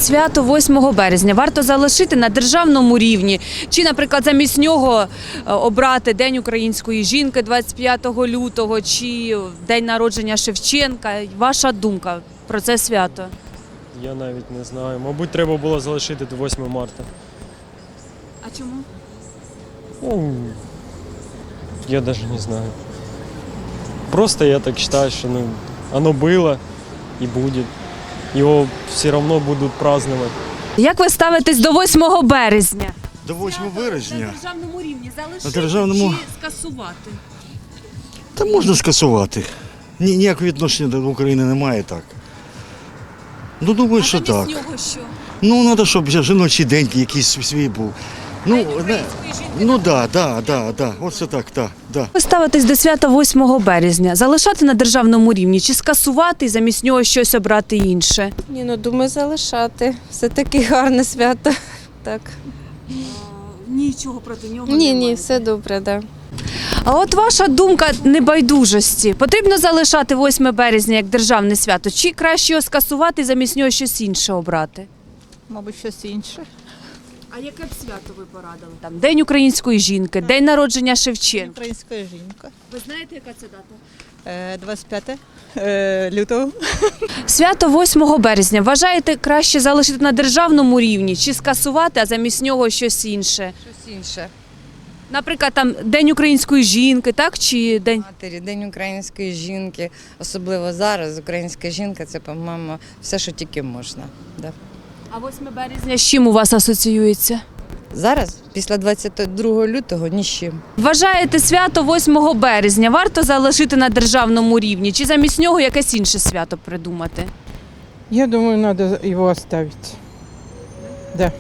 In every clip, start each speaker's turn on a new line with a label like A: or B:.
A: свято 8 березня варто залишити на державному рівні? Чи, наприклад, замість нього обрати День української жінки 25 лютого, чи День народження Шевченка? Ваша думка про це свято?
B: Я навіть не знаю. Мабуть, треба було залишити до 8 марта.
A: А чому?
B: Ну, я даже не знаю. Просто я так считаю, что оно было и будет. Его все равно будут праздновать.
A: Як ви ставитесь до 8 березня?
C: До 8 березня.
A: На державному рівні залишити
C: На державному-
A: чи скасувати?
C: Та можна скасувати. Ніякого відношення до України немає так. Ну, думаю, що так.
A: нього що?
C: Ну, треба, щоб жіночий день якийсь свій був. Ну, да. Оце так, да.
A: Ви ставитесь до свята 8 березня. Залишати на державному рівні чи скасувати і замість нього щось обрати інше?
D: Ні, ну думаю, залишати. Все таки гарне свято. Так.
A: Нічого проти нього
D: Ні, все добре, так. Да.
A: А от ваша думка небайдужості. Потрібно залишати 8 березня як державне свято, чи краще його скасувати і замість нього щось інше обрати?
E: Мабуть, щось інше.
A: А яке б свято ви порадили? Там День української жінки, День народження Шевченка.
E: Українська жінка.
A: Ви знаєте, яка це дата?
E: 25 лютого.
A: Свято 8 березня вважаєте краще залишити на державному рівні чи скасувати, а замість нього щось інше?
F: Щось інше.
A: Наприклад, там День української жінки, так? Чи День...
F: Матері, День української жінки, особливо зараз. Українська жінка – це, по-моєму, все, що тільки можна. Да.
A: А 8 березня з чим у вас асоціюється?
F: Зараз, після 22 лютого, ні з чим.
A: Вважаєте, свято 8 березня варто залишити на державному рівні, чи замість нього якесь інше свято придумати?
G: Я думаю, надо его оставить. Да.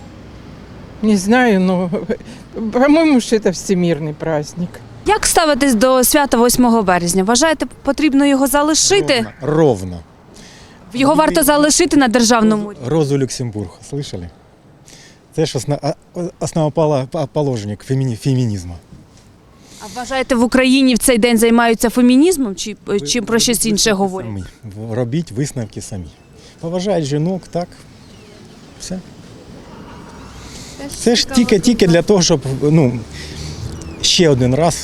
G: Не знаю, но, по-моему, что это всемирный праздник.
A: Як ставитесь до свята 8 березня? Вважаєте, потрібно його залишити?
H: Ровно.
A: Його варто залишити на державному рівні?
H: Розу Люксембург, слышали? Це ж основоположник фемінізму.
A: А вважаєте, в Україні в цей день займаються фемінізмом, чи про щось інше говорять?
H: Самі. Робіть висновки самі. Поважають жінок, так, все. Це ж тільки для того, щоб ще один раз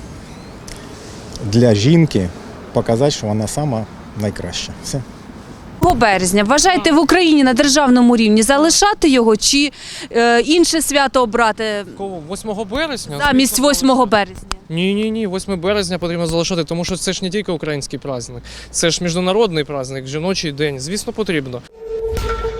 H: для жінки показати, що вона сама найкраща. Все.
A: 8 березня. Вважаєте, в Україні на державному рівні залишати його, чи інше свято обрати
I: 8 березня?
A: замість 8 березня?
I: Ні, 8 березня потрібно залишати, тому що це ж не тільки український праздник, це ж міжнародний праздник, жіночий день. Звісно, потрібно.